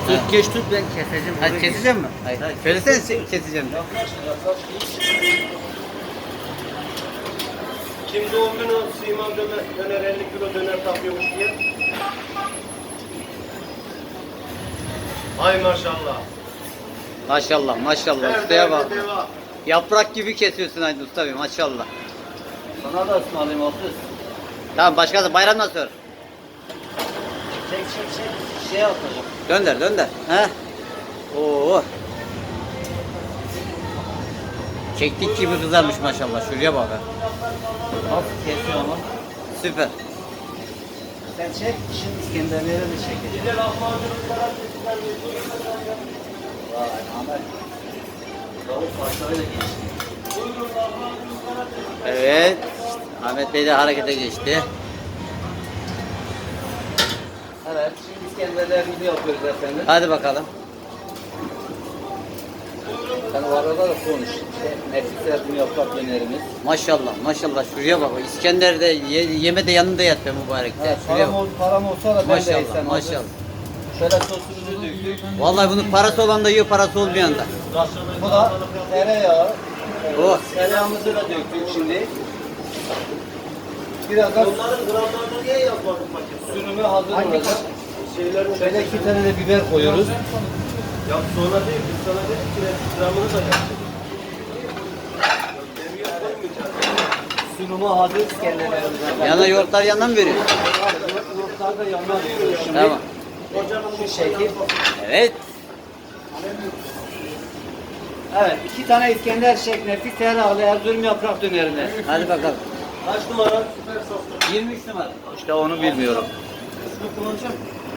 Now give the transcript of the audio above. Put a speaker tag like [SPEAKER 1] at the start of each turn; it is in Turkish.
[SPEAKER 1] Tut geç tut ben keseceğim.
[SPEAKER 2] Hadi keseceğim mi?
[SPEAKER 1] Hayır hayır.
[SPEAKER 2] Söylesene keseceğim.
[SPEAKER 3] Yaklaş. Kim doğum günü Sima döner 50 kilo döner tapıyormuş diye. Ay maşallah.
[SPEAKER 2] Maşallah maşallah
[SPEAKER 3] Her
[SPEAKER 2] ustaya bak.
[SPEAKER 3] derde deva.
[SPEAKER 2] Yaprak gibi kesiyorsun Aydın Usta Bey maşallah.
[SPEAKER 1] Sana da ısmarlayayım Hafız.
[SPEAKER 2] Tamam başka da bayramdan sonra.
[SPEAKER 1] Çek. Şey yapacağım.
[SPEAKER 2] Dönder. He? Oo. Keklik gibi kızarmış maşallah. Şuraya bak. Ha.
[SPEAKER 1] Nasıl kesiyor ama?
[SPEAKER 2] Süper.
[SPEAKER 1] Sen çek. Şimdi İskenderleri de çekeceğim.
[SPEAKER 3] Bir de lahmacunlara çekilen
[SPEAKER 1] Vay Ahmet. Tavuk parçalarıyla geçti.
[SPEAKER 2] Evet. Ahmet Bey de harekete geçti.
[SPEAKER 1] Evet. Şimdi İskenderlerimizi yapıyoruz efendim.
[SPEAKER 2] Hadi bakalım.
[SPEAKER 1] Sen o arada da konuş. Nefis yardım yaprak dönerimiz.
[SPEAKER 2] Maşallah. Şuraya bak. İskender de yeme de yanında yat be mübarek.
[SPEAKER 1] Evet,
[SPEAKER 2] Şuraya bak.
[SPEAKER 1] param olsa da ben de yesem.
[SPEAKER 2] Maşallah.
[SPEAKER 1] Şöyle sosumuzu döktük.
[SPEAKER 2] Vallahi bunun parası olan da yiyor, parası olmayan da.
[SPEAKER 1] Bu da tereyağı.
[SPEAKER 2] Oh.
[SPEAKER 1] Tereyağımızı da döktük şimdi. Biraz da
[SPEAKER 3] Onların gramlarını niye yapmadın paket?
[SPEAKER 1] sürümü hazır olacak.
[SPEAKER 3] Şeylerin
[SPEAKER 1] Şöyle 2 tane de biber koyuyoruz.
[SPEAKER 3] Ya sonra değil, biz sana dedik ki gramını da yaptık. Demiyor koymayacağız.
[SPEAKER 1] Sunumu hazır İskenderlerimizden.
[SPEAKER 2] Yana yoğurtlar yandan mı veriyor?
[SPEAKER 1] Yoğurtlar da yanına veriyoruz şimdi.
[SPEAKER 2] Tamam.
[SPEAKER 1] Şu şekil.
[SPEAKER 2] Evet.
[SPEAKER 1] Evet, 2 tane İskender şek nefis tereyağlı Erzurum yaprak dönerine.
[SPEAKER 2] Hadi bakalım.
[SPEAKER 3] Kaç numara? Süper soslu.
[SPEAKER 2] 23 numara.
[SPEAKER 1] İşte onu bilmiyorum.
[SPEAKER 2] Şunu kullanacağım.